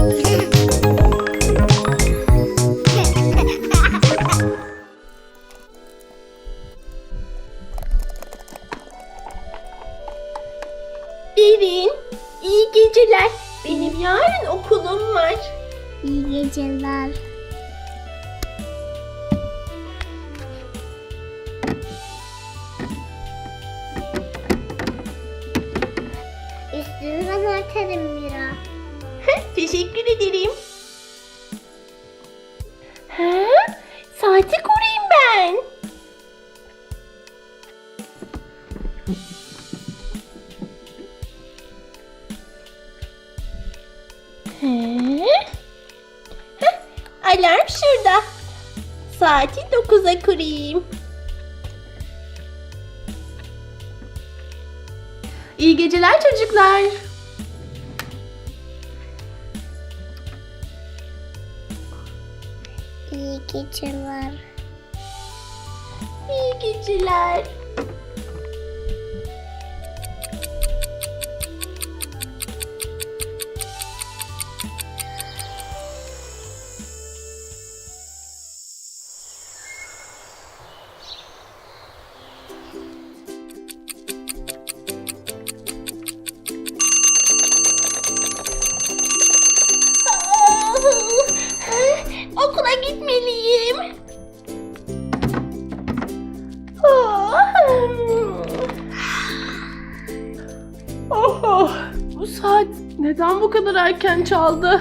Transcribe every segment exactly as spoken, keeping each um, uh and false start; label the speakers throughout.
Speaker 1: Derin, iyi geceler. Benim yarın okulum var.
Speaker 2: İyi geceler. Üstünü ben örterim Mira.
Speaker 1: Teşekkür ederim. Ha? Saati kurayım ben. He? Heh, alarm şurada. Saati dokuza kurayım. İyi geceler çocuklar.
Speaker 2: İyi geceler.
Speaker 1: İyi geceler. Okula gitmeliyim.
Speaker 3: Oh, bu saat neden bu kadar erken çaldı?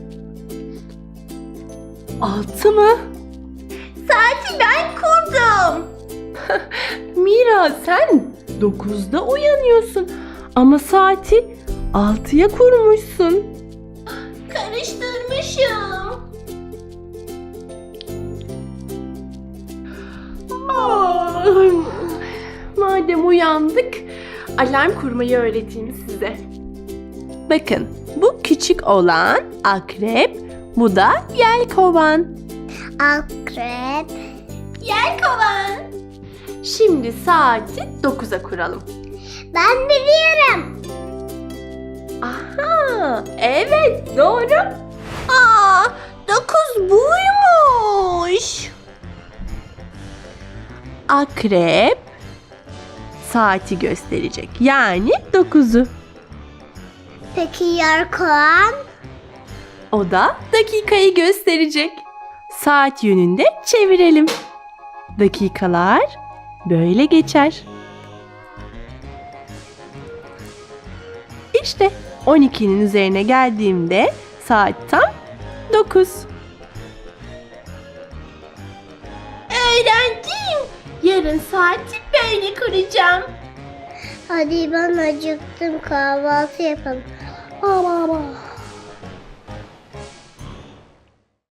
Speaker 3: Altı mı?
Speaker 1: Saati ben kurdum.
Speaker 3: Mira, sen dokuzda uyanıyorsun ama saati altıya kurmuşsun.
Speaker 1: Karıştırmışım.
Speaker 3: Ah, madem uyandık, alarm kurmayı öğreteyim size. Bakın, bu küçük olan akrep, bu da yelkovan.
Speaker 2: Akrep.
Speaker 1: Yelkovan.
Speaker 3: Şimdi saati dokuza kuralım.
Speaker 2: Ben biliyorum.
Speaker 3: Aha, evet doğru.
Speaker 1: Aa, dokuz buymuş.
Speaker 3: Akrep saati gösterecek. Yani dokuzu.
Speaker 2: Peki yelkovan?
Speaker 3: O da dakikayı gösterecek. Saat yönünde çevirelim. Dakikalar böyle geçer. İşte on ikinin üzerine geldiğimde saat tam dokuz.
Speaker 1: Öğrendim. Yarın saati böyle kuracağım.
Speaker 2: Hadi ben acıktım, kahvaltı yapalım. Baba.